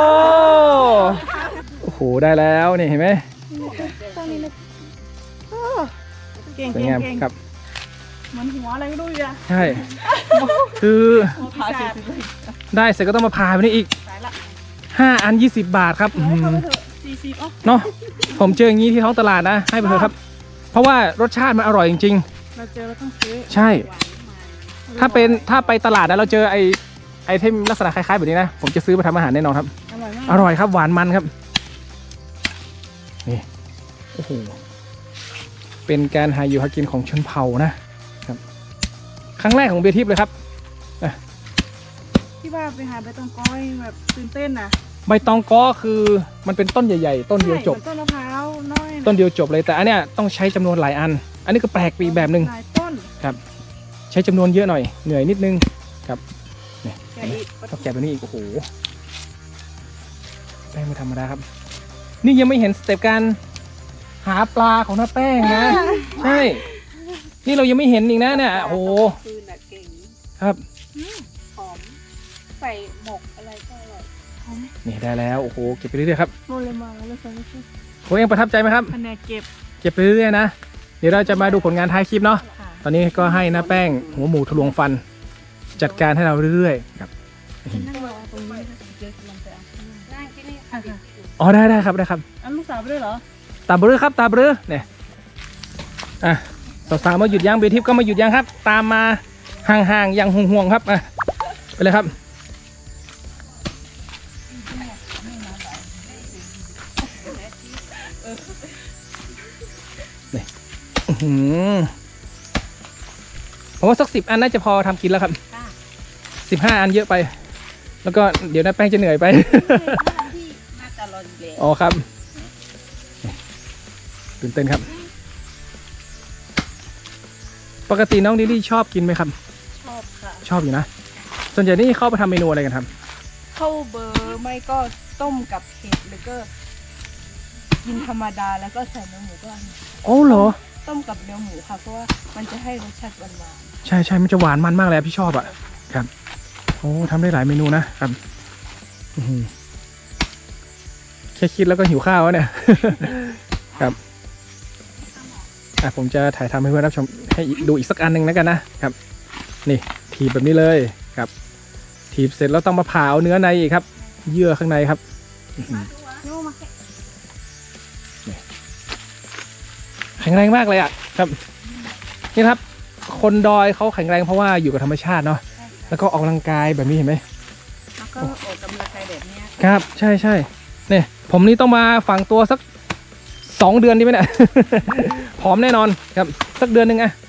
[SPEAKER 1] โอ้โหได้แล้วนี่เห็นไหม
[SPEAKER 2] ต้องนี้นะโอ้เก่ง
[SPEAKER 1] สวย
[SPEAKER 2] เก่ง
[SPEAKER 1] งาม
[SPEAKER 2] เก่ง
[SPEAKER 1] ครับ
[SPEAKER 2] เหมือนหัวอะไรไม่รู้อยู่อะ
[SPEAKER 1] ใช่ คือ
[SPEAKER 2] หัวปีศาจ
[SPEAKER 1] ได้เสร็จก็ต้องมาพาไปนี่อีก
[SPEAKER 2] สายละ
[SPEAKER 1] ห้าอันยี่สิบบาทครับอื้อ
[SPEAKER 2] ให้
[SPEAKER 1] หื
[SPEAKER 2] เขา
[SPEAKER 1] อ
[SPEAKER 2] ไปเถอะสี่สิบอ๋อ
[SPEAKER 1] เนาะผมเจออย่างนี้ที่ท้องตลาดนะ ให้ไปเถอะครับ เพราะว่ารสชาติมันอร่อยจริง
[SPEAKER 2] เราเจอเราต้องซื้อ
[SPEAKER 1] ๆ ใช่ ถ้าเป็นถ้าไปตลาดนะเราเจอไอไอเทมลักษณะคล้ายๆแบบนี้นะ ผมจะซื้อมาทำอาหารแน่นอนครับ
[SPEAKER 2] อร่อยมาก
[SPEAKER 1] อร่อยครับหวานมันครับ นี่ โอ้โห เป็นการหาอยู่หากินของชนเผ่านะครับ ครั้งแรกของเบียร์ทิพย์เลยครับ
[SPEAKER 2] ที่ว่าไปหาใบตองก้อยแบบตื่นเต้นนะ
[SPEAKER 1] ใบตองก้อคือมันเป็นต้นใหญ่ๆ ต้นเดียวจบ
[SPEAKER 2] ใช่หมือนต้นมะพร้าวน้อยะ
[SPEAKER 1] ต้นเดียวจบเลย แต่อันเนี้ยต้องใช้จำนวนหลายอัน อันนี้ก็แปลกไปอีกแบบหนึ่ง
[SPEAKER 2] หลายต้น
[SPEAKER 1] ครับ ใช้จำนวนเยอะหน่อย เหนื่อยนิดนึงครับนี่
[SPEAKER 2] แกะอีก
[SPEAKER 1] ต้องแกะตัวนี้อีก โอ้โห แป้งไม่ธรรมดาครับ นี่ยังไม่เห็นสเต็ปการหาปลาของน้าแป้งนะ ใช่ นี่เรายังไม่เห็นอีกนะเนี่ย โอ้โห
[SPEAKER 3] คืนน่ะเก่ง
[SPEAKER 1] ครับ
[SPEAKER 3] หอมใส่หมกอะไรก็อร่อย
[SPEAKER 1] นี่ได้แล้ว โอ้โห เก็บไปเรื่อยๆครับ
[SPEAKER 2] โมเลยมาแล้วใส่ไม่ใช่
[SPEAKER 1] โอ้ยังประทับใจไหมครับ
[SPEAKER 2] แผนกเก็บ
[SPEAKER 1] เก็บไปเรื่อยๆนะ เดี๋ยวเราจะมาดูผลงานท้ายคลิปเนาะ
[SPEAKER 2] ค่ะ
[SPEAKER 1] ตอนนี้ก็ให้น้าแป้งหัวหมูทะลวงฟัน จัดการให้เราเรื่อยๆครับ
[SPEAKER 2] นั่งรอตรงนี้
[SPEAKER 3] เดี๋ยวกำลังไปเอานั่งที่นี่
[SPEAKER 2] ค่ะค่ะ
[SPEAKER 1] อ๋อได้ได้ครับได้ครับ
[SPEAKER 2] อันลูกสาวไปด้วยเหรอ
[SPEAKER 1] ตาเบรือครับตาเบรือเนี่ยอ่ะสาวๆมาหยุดยั้งเบียร์ทิพย์ก็มาหยุดยั้งครับ ตามมาห่างๆอย่างห่วงๆครับอ่ะไปเลยครับนี่อื้อหือผมว่าสักสิบอันน่าจะพอทำกินแล้วครับสิบห้าอันเยอะไป แล้วก็เดี๋ยวน้าแป้งจะเหนื่อยไป
[SPEAKER 3] ที่น่าจะรออยู่แล้ว
[SPEAKER 1] อ๋อครับตื่นเต้นครับ ปกติน้องลิลลี่ชอบกินไหมครับ
[SPEAKER 3] ชอบค่ะ
[SPEAKER 1] ชอบอยู่นะ ส่วนใหญ่นี่เข้าไปทำเมนูอะไรกันครับ
[SPEAKER 4] เข้าเบอร์ไม่ก็ต้มกับเห็ดหรือก็กินธรรมดาแล้วก็ใส่เนื้อหมูก็อันนี้
[SPEAKER 1] โอ้เหรอ
[SPEAKER 4] ต้มกับเนื้อหมูค่ะเพราะว่ามันจะให้รสชาติหวาน
[SPEAKER 1] ใช่ใช่มันจะหวานมันมากเลยอะพี่ชอบอ่ะ ครับ โอ้ทำได้หลายเมนูนะครับอื้อหือแค่คิดแล้วก็หิวข้าวแล้วเนี่ย ครับอ่ะผมจะถ่ายทำให้เพื่อนรับชมให้ดูอีกสักอันหนึ่งแล้วกันนะครับ นี่ถีบแบบนี้เลยครับ ถีบเสร็จแล้วต้องมาผ่าเอาเนื้อในอีกครับ เยื่อข้างในครับอื้อหือ
[SPEAKER 2] โยมาแค่
[SPEAKER 1] แข็งแรงมากเลยอ่ะครับนี่ครับ คนดอยเขาแข็งแรงเพราะว่าอยู่กับธรรมชาติเนาะแล้วก็ออกกำลังกายแบบนี้เห็นไหม
[SPEAKER 3] แล้วก็ออกกำลังกายแบบเนี้ย
[SPEAKER 1] ครับ ใช่ใช่เนี่ยผมนี่ต้องมาฝังตัวสักสองเดือนดีไหมเนี่ย ผอมแน่นอนครับสักเดือนหนึ่งอะ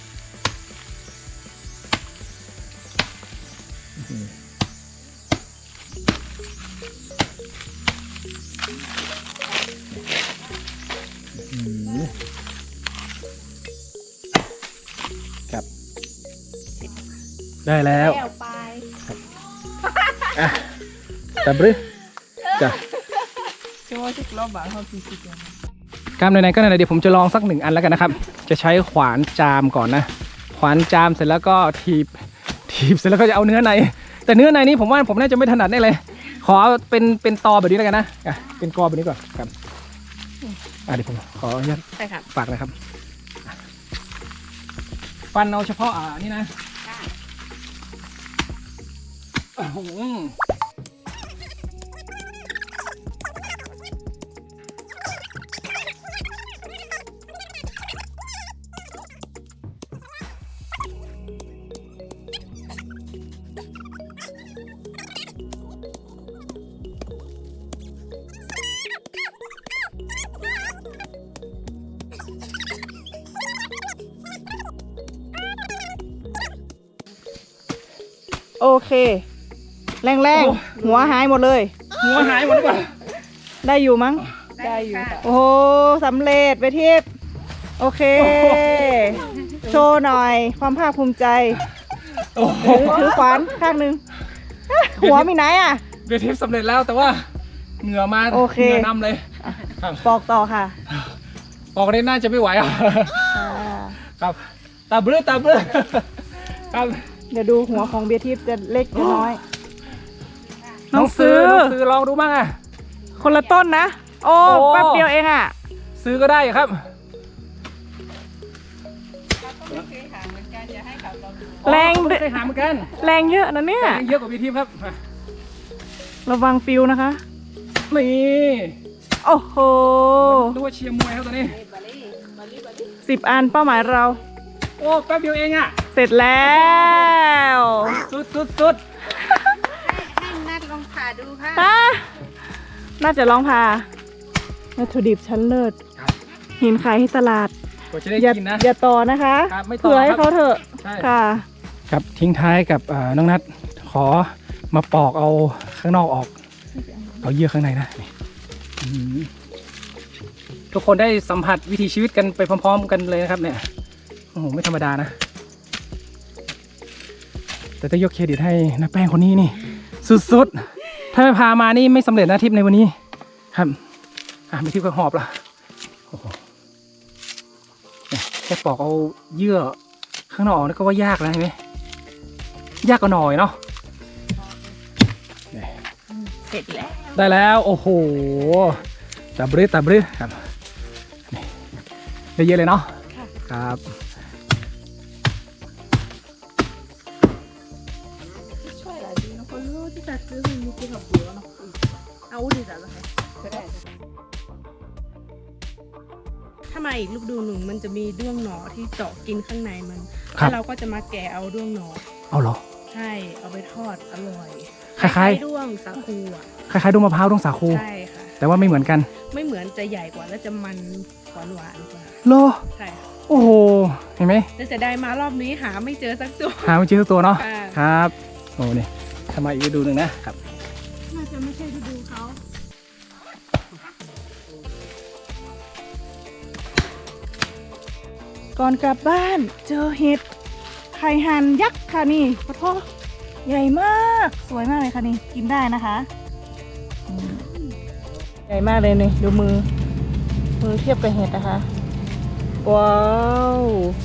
[SPEAKER 1] ครับได้แล้ว
[SPEAKER 3] แก้วไป
[SPEAKER 1] อ่ะแต่บรึจ้ะ
[SPEAKER 4] ๆช่วยชุกรอบบางเขาสี่สิบอย่าง
[SPEAKER 1] กล้ามไหนๆก็ไหนๆเดี๋ยวผมจะลองสักหนึ่งอันแล้วกันนะครับ จะใช้ขวานจามก่อนนะ ขวานจามเสร็จแล้วก็ถีบ ถีบเสร็จแล้วก็จะเอาเนื้อใน แต่เนื้อในนี้ผมว่าผมน่าจะไม่ถนัดแน่เลย ขอเอาเป็นเป็นตอแบบนี้แล้วกันนะอ่ะเป็นกอแบบนี้ก่อนครับอ่ะเดี๋ยวผมขออนุญาต
[SPEAKER 3] ใช่ค่ะ
[SPEAKER 1] ฝากนะครับฟันเอาเฉพาะอ่านี่นะโอ้โห
[SPEAKER 2] โอเค แรงแรงหัวหายหมดเลย
[SPEAKER 1] หัวหายหมดหรือเปล่า
[SPEAKER 2] ได้อยู่มั้ง
[SPEAKER 3] ได้อยู่ค่ะ
[SPEAKER 2] โอ้โหสำเร็จไปทิพย์โอเค โชว์หน่อย ความภาคภูมิใจ
[SPEAKER 1] โอ้โห
[SPEAKER 2] ถือถือขวานข้างหนึ่งอ่ะหัวมีไหนอ่ะ
[SPEAKER 1] เบียร์ทิพย์สำเร็จแล้วแต่ว่าเหงื่อมา
[SPEAKER 2] โอเค
[SPEAKER 1] เหงื่อนำเลยครับ
[SPEAKER 2] ปอกต่อค่ะ
[SPEAKER 1] ออกได้น่าจะไม่ไหวอ่ะ
[SPEAKER 2] อ่า
[SPEAKER 1] ครับตาเบื้อตาเบื้อครับ
[SPEAKER 2] เดี๋ยวดูหัวของเบียร์ทิพย์จะเล็กจะน้อย
[SPEAKER 1] น้องซื้อน้องซื้อลองดูบ้างอ่ะ
[SPEAKER 2] คนละต้นนะ โอ้
[SPEAKER 1] โอ้
[SPEAKER 2] แป๊บเดียวเองอ่ะ
[SPEAKER 1] ซื้อก็ได้ครับ
[SPEAKER 2] แรง
[SPEAKER 1] อ๋อไม่เคยหาเหมือนกัน
[SPEAKER 2] แรงเยอะนะเนี่ย
[SPEAKER 1] แต่ยังเยอะกว่าพี่ทิพย์ครับมา
[SPEAKER 2] ระวังปิวนะคะ
[SPEAKER 1] นี่
[SPEAKER 2] โอ้โห
[SPEAKER 1] ดูว่าเชียร์มวยครับตอนนี้
[SPEAKER 2] สิบอันเป้าหมายเรา
[SPEAKER 1] โอ้แป๊บเดียวเองอ่ะ
[SPEAKER 2] เสร็จแล้ว
[SPEAKER 1] สุดสุดสุด
[SPEAKER 3] ให้นัดลองผ่าดูค่ะ
[SPEAKER 2] อ่ะน่าจะลองพาวัตถุดิบชั้นเลิศ
[SPEAKER 1] ครับ
[SPEAKER 2] หินขายที่ตลาด
[SPEAKER 1] กว่าจะได้
[SPEAKER 2] อย่า
[SPEAKER 1] กินนะ
[SPEAKER 2] อย่าต่อนะคะ
[SPEAKER 1] ครับไม่ต่อ
[SPEAKER 2] เผื่อให้
[SPEAKER 1] ครับ
[SPEAKER 2] เขาเถอะ
[SPEAKER 1] ใช่
[SPEAKER 2] ค่ะ
[SPEAKER 1] ครับทิ้งท้ายกับอ่าน้องนัทขอมาปอกเอาข้างนอกออก เอาเยื่อข้างในนะนี่อืมทุกคนได้สัมผัสวิถีชีวิตกันไปพร้อมๆกันเลยนะครับเนี่ยโอ้โหไม่ธรรมดานะ แต่ต้องยกเครดิตให้น้าแป้งคนนี้นี่ สุดๆ ถ้าไม่พามานี่ไม่สำเร็จนะทริปในวันนี้ ครับอ่ะไม่ทิพย์ก็หอบละโอ้โหเนี่ยแค่ปอกเอาเยื่อข้างนอกออกนี่ก็ว่ายากแล้วเห็นไหมยากกว่าหน่อยเนาะ
[SPEAKER 3] เสร็จแล้ว
[SPEAKER 1] ได้แล้วโอ้โหตับรึตับรึครับนี่ได้เยอะเลยเนาะครับ
[SPEAKER 4] ช่วยหลายดีนะคนรู้ที่ตัดซื้อมันมีกี่ขับเบื่อเนาะเอาดีแต่ละค่ะก็ได้
[SPEAKER 5] ถ้ามาอีกลูกดูหนึ่งมันจะมีด้วงหนอที่เจาะกินข้างในมัน
[SPEAKER 1] ครับ
[SPEAKER 5] แล้วเราก็จะมาแกะเอาด้วงหนอ
[SPEAKER 1] เอาเหรอ
[SPEAKER 5] ใช่ เอาไปทอดอร่อย
[SPEAKER 1] คล้ายๆ
[SPEAKER 5] ๆด้วงสาคูอ่ะ
[SPEAKER 1] คล้ายๆดวงมะพร้าวดวงสาคู
[SPEAKER 5] ใช่ค่ะ
[SPEAKER 1] แต่ว่าไม่เหมือนกัน
[SPEAKER 5] ไม่เหมือนจะใหญ่กว่าและจะมันหวานหวานๆกว่า
[SPEAKER 1] โล
[SPEAKER 5] ใช่ค่ะ
[SPEAKER 1] โอ้โหเห็นไหม
[SPEAKER 5] แต่เสียดายมารอบนี้หาไม่เจอสักตัว
[SPEAKER 1] หาไม่เจอสักตัวเนาะ
[SPEAKER 5] ค่ะ
[SPEAKER 1] ครับโอ้นี่ทำไมาอีกฤดูหนึ่งนะครับ
[SPEAKER 5] น่าจะไม่ใช่ฤดูเขา
[SPEAKER 2] ก่อนกลับบ้านเจอเห็ดไข่หันยักษ์ค่ะนี่ขอโทษใหญ่มากสวยมากเลยค่ะนี่กินได้นะคะอืมใหญ่มากเลยนี่ดูมือ มือเทียบกับเห็ดนะคะว้าว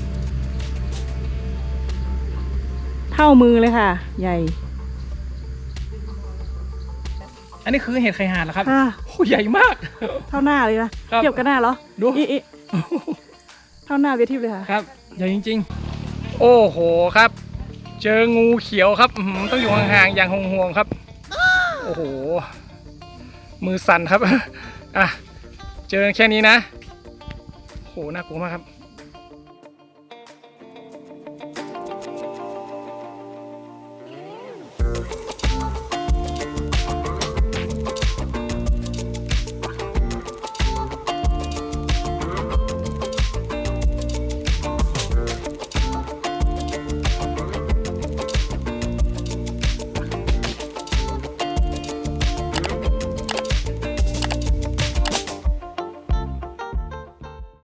[SPEAKER 2] เท่ามือเลยค่ะ ใหญ่
[SPEAKER 1] อันนี้คือเห็ดไข่ห่านเหรอครับ
[SPEAKER 2] ค่ะ
[SPEAKER 1] โอ้ใหญ่มาก
[SPEAKER 2] เท่าหน้าเลยนะครับ เทียบกับหน้าเหรอ
[SPEAKER 1] ดู
[SPEAKER 2] อีอีเท่าหน้าเวทีเลยค่ะ
[SPEAKER 1] ครับใหญ่จริงๆ โอ้โหครับ เจองูเขียวครับอื้อหือต้องอยู่ห่างๆอย่างห่วงๆครับ โอ้โหมือสั่นครับอ่ะเจอแค่นี้นะโอ้โหน่ากลัวมากครับ